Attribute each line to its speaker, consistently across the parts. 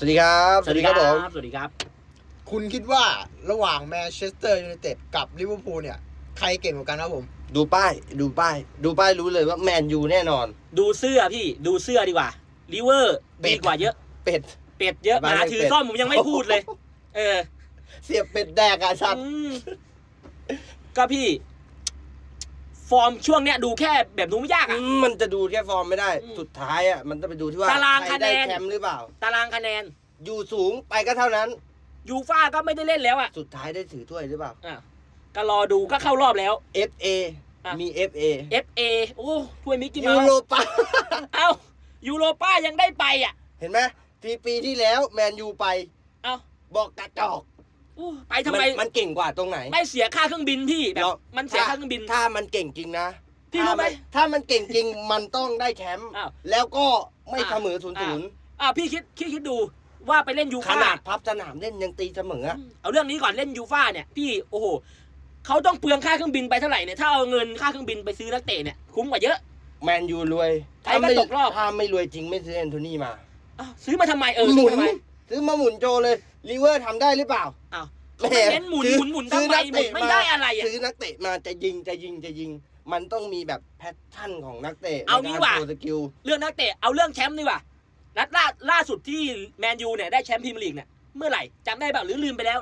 Speaker 1: วัสดีครับ
Speaker 2: สวัสดีครับผมสวัสดีครับ
Speaker 3: คุณคิดว่าระหว่างแมนเชสเตอร์ยูไนเต็ดกับลิเวอร์พูลเนี่ยใครเก่งกว่ากันครับผม
Speaker 1: ดูป้ายรู้เลยว่าแมนยูแน่นอน
Speaker 2: ดูเสื้อพี่ดูเสื้อดีกว่าลิเวอร์ดีกว่าเยอะ
Speaker 1: เป็ด
Speaker 2: เป็ดเยอะหมาถือซ่อมผมยังไม่พูดเลย เออ
Speaker 1: เสียบเป็ดแดกอะสัตว์
Speaker 2: ก็พี่ ฟอร์มช่วงเนี้ยดูแค่แบบดูไม่ยากอ่ะ
Speaker 1: มันจะดูแค่ฟอร์มไม่ได้ สุดท้ายอะมันต้องไปดูที่ว่า
Speaker 2: ตาราง
Speaker 1: ใคร
Speaker 2: คะแน
Speaker 1: ได้
Speaker 2: น
Speaker 1: แชมป์หรือเปล่า
Speaker 2: ตารางคะแนน
Speaker 1: อยู่สูงไปก็เท่านั้น
Speaker 2: ยูฟ่าก็ไม่ได้เล่นแล้วอ่ะ
Speaker 1: สุดท้ายได้ถือถ้วยหรือเปล่า
Speaker 2: อ่ะก็รอดูก็เข้ารอบแล้ว
Speaker 1: FA
Speaker 2: อ่ะ
Speaker 1: มี FA
Speaker 2: FA โอ้ถ้วยมิกกี้
Speaker 1: ยู
Speaker 2: เมาส์
Speaker 1: โรปา
Speaker 2: เอ้ายูโรป้ายังได้ไปอ่ะ
Speaker 1: เห็นไหมปีที่แล้วแมนยูไป
Speaker 2: เอ้า
Speaker 1: บอกกระจอก
Speaker 2: ไปทำไม
Speaker 1: มันเก่งกว่าตรงไหน
Speaker 2: ไม่เสียค่าเครื่องบินพี่แบบ
Speaker 1: เนาะ
Speaker 2: มันเสียค่าเครื่องบิน
Speaker 1: ถ้ามันเก่งจริงนะ
Speaker 2: พี่รู้ไหม
Speaker 1: ถ้ามันเก่งจริงมันต้องได้แชมป์
Speaker 2: อ้าว
Speaker 1: แล้วก็ไม่เสมอ
Speaker 2: อ้าว
Speaker 1: 0-0
Speaker 2: พี่คิดดูว่าไปเล่นยู
Speaker 1: ข
Speaker 2: ฟ่า
Speaker 1: นาดพับสนามเล่นยังตีเสมออะ
Speaker 2: เอาเรื่องนี้ก่อนเล่นยูฟ่าเนี่ยพี่โอ้โหเขาต้องเปลืองค่าเครื่องบินไปเท่าไหร่เนี่ยถ้าเอาเงินค่าเครื่องบินไปซื้อนักเตะเนี่ยคุ้มกว่าเยอะ
Speaker 1: แมนยูรวย
Speaker 2: ใครก็ตกรอบ
Speaker 1: ถ้าไม่รวยจริงไม่ซื้อแอนโทนีมา
Speaker 2: อ้าวซื้อมาทำไม
Speaker 1: หมุ
Speaker 2: ซื้อน มาทำไม
Speaker 1: ซื้อมาหมุนโจเลยลิเวอร์ทำได้หรือเปล่า
Speaker 2: อ้าวเขาไม่เน้นหมุนทำไมหมุนไม่ได้อะไรอ่ะ
Speaker 1: ซื้อนักเตะมาจะยิงมันต้องมีแบบแพทเทิร์นของนักเตะ
Speaker 2: เอางี้
Speaker 1: ในกร
Speaker 2: ว่ะ
Speaker 1: โชสกิล
Speaker 2: เรื่องนักเตะเอาเรื่องแชมป์ดีกว่านัดล่าสุดที่แมนยูเนี่ยได้แชมป์พรีเมียร์ลีกเนี่ยเมื่อไหร่จำได้เปล่าหรือลืมไปแล้ว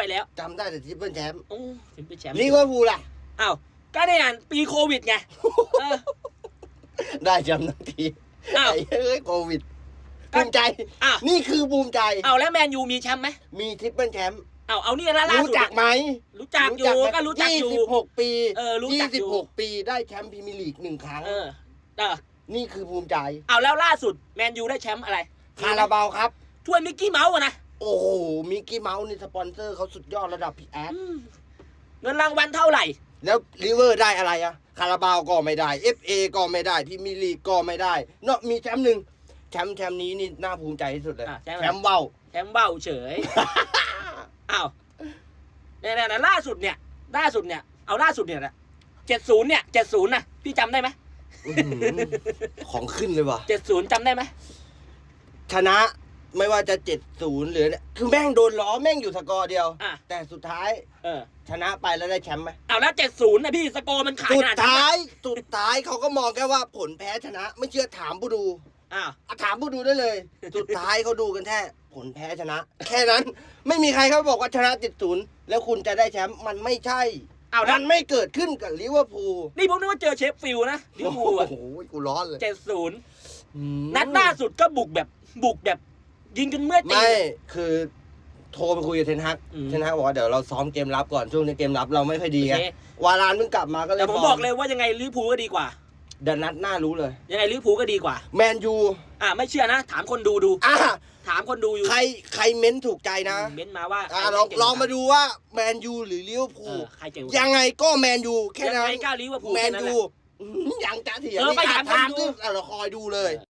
Speaker 1: จำได้แต่ทริปเปิลแชมป์
Speaker 2: โอ้ถึงเป็นแชมป์
Speaker 1: ลิเวอร์พูลล่ะ
Speaker 2: อ้าวก็ได้อ่านปีโควิดไงเออ
Speaker 1: ได้แชมป์ทันที
Speaker 2: อ้าว
Speaker 1: ไอ้เอ้ยโควิดภูมิใจ
Speaker 2: อ้าว
Speaker 1: นี่คือภูมิใจ
Speaker 2: เอาแล้วแมนยูมีแชมป์ไหม
Speaker 1: มีทริปเปิลแชมป์
Speaker 2: เอานี่ล่า
Speaker 1: รู้
Speaker 2: สุด
Speaker 1: จักไหม
Speaker 2: รู้จักอยู่ก็รู้จักอยู่
Speaker 1: 26 ปี
Speaker 2: รู้จักอยู่
Speaker 1: 26 ปีได้แชมป์พรีเมียร์ลีก1 ครั้ง
Speaker 2: เออ
Speaker 1: นี่คือภูมิใจ
Speaker 2: เอาแล้วล่าสุดแมนยูได้แชมป์อะไร
Speaker 1: คาราบาวครับ
Speaker 2: ถ้วยมิกกี้เมาส์อะนะ
Speaker 1: โอ้โห มิกกี้เมาส์นี่สปอนเซอร์เขาสุดยอดระดับพี่แอด
Speaker 2: เงินรางวัลเท่าไหร่
Speaker 1: แล้วลิเวอร์ได้อะไรอะคาราบาวก็ไม่ได้ FA ก็ไม่ได้พรีเมียร์ลีกก็ไม่ได้เนาะมีแชมป์หนึ่งแชมป์นี้นี่น่าภูมิใจที่สุดเลย
Speaker 2: แชมป์
Speaker 1: แชมป์เบ้า
Speaker 2: แชมป์เบ้าเฉย อ้าวเนี่ยล่าสุดเนี่ยเอาล่าสุดเนี่ยนะ70เนี่ย70นะพี่จำได้ไหม
Speaker 1: อื้อหือของขึ้นเลยว่ะ
Speaker 2: 70จำได้ไหม
Speaker 1: ชนะไม่ว่าจะ70หรือเนี่ยคือแม่งโดนล้อแม่งอยู่สกอร์เดียว
Speaker 2: อ่ะ
Speaker 1: แต่สุดท้าย
Speaker 2: เออ
Speaker 1: ชนะไปแล้วได้แชมป์ไหม
Speaker 2: เอาแล้ว70นะพี่สกอร์มันขาด
Speaker 1: สุ
Speaker 2: ข
Speaker 1: ด
Speaker 2: นาดนั้น
Speaker 1: ท้า
Speaker 2: นะ
Speaker 1: ยเขาก็มองแค่ว่าผลแพ้ชนะ ไม่เชื่อถามผู้ดู
Speaker 2: อ้าว
Speaker 1: ถามผู้ดูได้เลย สุดท้ายเขาดูกันแค่ผลแพ้ชนะ แค่นั้นไม่มีใครเขาบอกว่าชนะ70แล้วคุณจะได้แชมป์มันไม่ใช่
Speaker 2: เอาแล้ว
Speaker 1: มันไม่เกิดขึ้นกับลิเวอร์พูล
Speaker 2: นี่ผมนึกว่าเจอเชฟฟิลด์นะลิเวอร์พูล
Speaker 1: โอ้
Speaker 2: อะ
Speaker 1: โหกูร้อนเลย
Speaker 2: 70
Speaker 1: อืม
Speaker 2: นัดล่าสุดก็บุกแบบยิงกันเมื่อตี
Speaker 1: ไม่คือโทรไปคุยกับเทนฮัก
Speaker 2: อืม
Speaker 1: เทนฮักบอกว่าเดี๋ยวเราซ้อมเกมรับก่อนช่วงนี้เกมรับเราไม่ค่อยดีไง
Speaker 2: โอเค
Speaker 1: วารานเพิ่งกลับมาก็เลย
Speaker 2: แต่ผมบอกเลยว่ายังไงลิเวอร์พูลก็ดีกว่า
Speaker 1: เดี๋ยวนัดหน้ารู้เลย
Speaker 2: ยังไงลิเวอร์พูลก็ดีกว่า
Speaker 1: แมนยู
Speaker 2: ไม่เชื่อนะ ถามคนดู
Speaker 1: อ่ะ
Speaker 2: ถามคนดูอยู่
Speaker 1: ใครเม้นถูกใจนะ
Speaker 2: เม้นมาว่า
Speaker 1: ลองมาดูว่าแมนยูหรือลิเวอร์พู
Speaker 2: เอ
Speaker 1: ล
Speaker 2: อใครเก่ง
Speaker 1: ยังไงก็แมนยูแค่
Speaker 2: ยัง
Speaker 1: นั้น
Speaker 2: ไงก็ลิเวอร์พูล
Speaker 1: แม
Speaker 2: แค่
Speaker 1: น
Speaker 2: นั้นแห
Speaker 1: ยู
Speaker 2: ละ
Speaker 1: ยังจะเถียง
Speaker 2: ไปถามคนดู
Speaker 1: เราคอยดูเลย